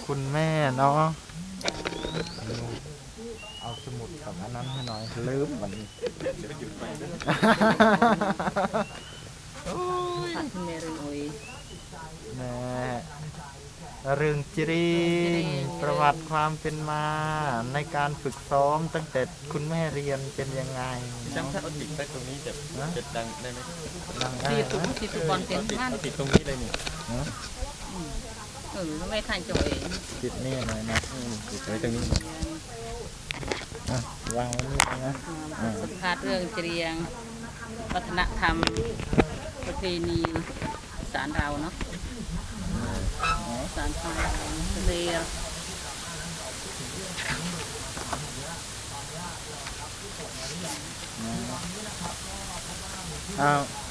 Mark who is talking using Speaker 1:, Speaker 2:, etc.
Speaker 1: คุณแม่เนาะเอาสมุดกับอันนั้นให้หน่อยลืมมัน โอ้ย
Speaker 2: ผัดคุณแม่เรื่องโอ้ย
Speaker 1: แม่เรื่องจริงประวัติความเป็นมาในการฝึกซ้อมตั้งแต่คุณแม่เรียนเป็นยังไง
Speaker 3: จำถ้าเอาติดไปตรงนี้จะดังได้ไหม
Speaker 1: ดังได้
Speaker 2: ตีตุก
Speaker 1: ไหม
Speaker 2: ตีตุกบอลเต็มนั่น
Speaker 3: เอาติดตรงนี้เลยนี่
Speaker 2: ไม่ทันจ่อย
Speaker 1: ติดนี่หน่อยนะ
Speaker 3: ติดไว้ตรงนี้
Speaker 1: อ่ะวางไว้นี่นะ
Speaker 2: สัมภาษณ์เรื่องเรียงวัฒนธรรมประเพณีสารเราเนาะสารไทยเรียง
Speaker 1: เอา